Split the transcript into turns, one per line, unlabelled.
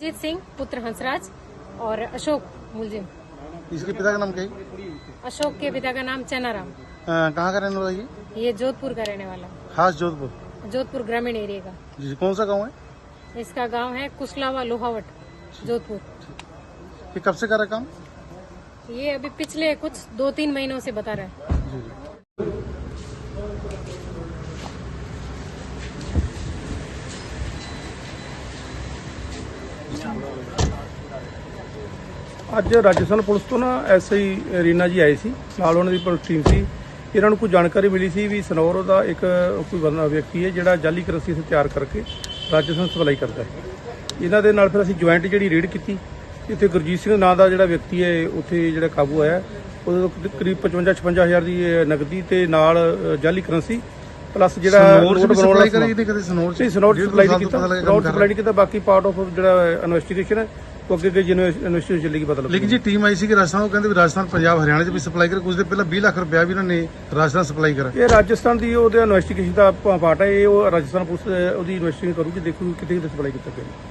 जीत सिंह पुत्र हंसराज और अशोक मुलजिम।
इसके पिता का नाम क्या है?
अशोक के पिता का नाम चनाराम।
कहाँ का रहने वाला है
ये जोधपुर का रहने वाला,
खास जोधपुर?
जोधपुर ग्रामीण एरिया का।
जी, कौन सा गांव है?
इसका गांव है कुशलावा लोहावट, जोधपुर।
ये कब से कर रहा है काम?
ये अभी पिछले कुछ 2-3 महीनों से बता रहा है।
जी जी।
ਅੱਜ ਰਾਜਸਥਾਨ ਪੁਲਿਸ ਤੋਂ ਨਾ ਐਸਆਈ ਰੀਨਾ ਜੀ ਆਏ ਸੀ, ਨਾਲ ਉਹਨਾਂ ਦੀ ਪੁਲਿਸ ਟੀਮ ਸੀ। ਇਹਨਾਂ ਨੂੰ ਕੋਈ ਜਾਣਕਾਰੀ ਮਿਲੀ ਸੀ ਵੀ ਸਨੌਰ ਦਾ ਇੱਕ ਕੋਈ ਵਿਅਕਤੀ ਹੈ ਜਿਹੜਾ ਜਾਲੀ ਕਰੰਸੀ ਇੱਥੇ ਤਿਆਰ ਕਰਕੇ ਰਾਜਸਥਾਨ ਸਪਲਾਈ ਕਰਦਾ ਹੈ। ਇਹਨਾਂ ਦੇ ਨਾਲ ਫਿਰ ਅਸੀਂ ਜੁਆਇੰਟ ਜਿਹੜੀ ਰੇਡ ਕੀਤੀ। ਇੱਥੇ ਗੁਰਜੀਤ ਸਿੰਘ ਨਾਂ ਦਾ ਜਿਹੜਾ ਵਿਅਕਤੀ ਹੈ ਉੱਥੇ ਜਿਹੜਾ ਕਾਬੂ ਆਇਆ, ਉਹਦੇ ਤੋਂ ਕਰੀਬ 55-56 ਹਜ਼ਾਰ ਦੀ ਨਕਦੀ ਤੇ ਨਾਲ ਜਾਲੀ ਕਰੰਸੀ ਪਲੱਸ ਜਿਹੜਾ
ਸਪਲਾਈ ਕਰੀ ਨਹੀਂ ਕਦੇ ਸਨੌਰ ਚ?
ਸਨੌਰ ਸਪਲਾਈ ਨਹੀਂ ਕੀਤਾ, ਸਨੌਰ ਸਪਲਾਈ ਨਹੀਂ ਕੀਤਾ। ਬਾਕੀ ਪਾਰਟ ਆਫ ਜਿਹੜਾ ਇਨਵੈਸਟੀਗੇਸ਼ਨ ਹੈ ਉਹ ਅੱਗੇ ਇਨਵੈਸਟੀਗੇਸ਼ਨ ਚੱਲੇਗੀ, ਪਤਾ ਲੱਗੇਗਾ।
ਲੇਕਿਨ ਜੀ ਟੀਮ ਆਈ ਸੀ ਕਿ ਰਾਜਸਥਾਨ, ਉਹ ਕਹਿੰਦੇ ਵੀ ਰਾਜਸਥਾਨ ਪੰਜਾਬ ਹਰਿਆਣਾ ਚ ਵੀ ਸਪਲਾਈ ਕਰੇ। ਕੁਝ ਦਿਨ ਪਹਿਲਾਂ 20 ਲੱਖ ਰੁਪਇਆ ਵੀ ਇਹਨਾਂ ਨੇ ਰਾਜਸਥਾਨ ਸਪਲਾਈ ਕਰਾ।
ਇਹ ਰਾਜਸਥਾਨ ਦੀ ਉਹਦੇ ਇਨਵੈਸਟੀਗੇਸ਼ਨ ਦਾ ਪਾਰਟ ਹੈ। ਇਹ ਉਹ ਰਾਜਸਥਾਨ ਪੁਲਿਸ ਉਹਦੀ ਇਨਵੈਸਟੀਗੇਸ਼ਨ ਕਰੂਗੀ, ਦੇਖੂਗੀ ਕਿਤੇ ਸਪਲਾਈ ਕੀਤਾ ਗਿਆ।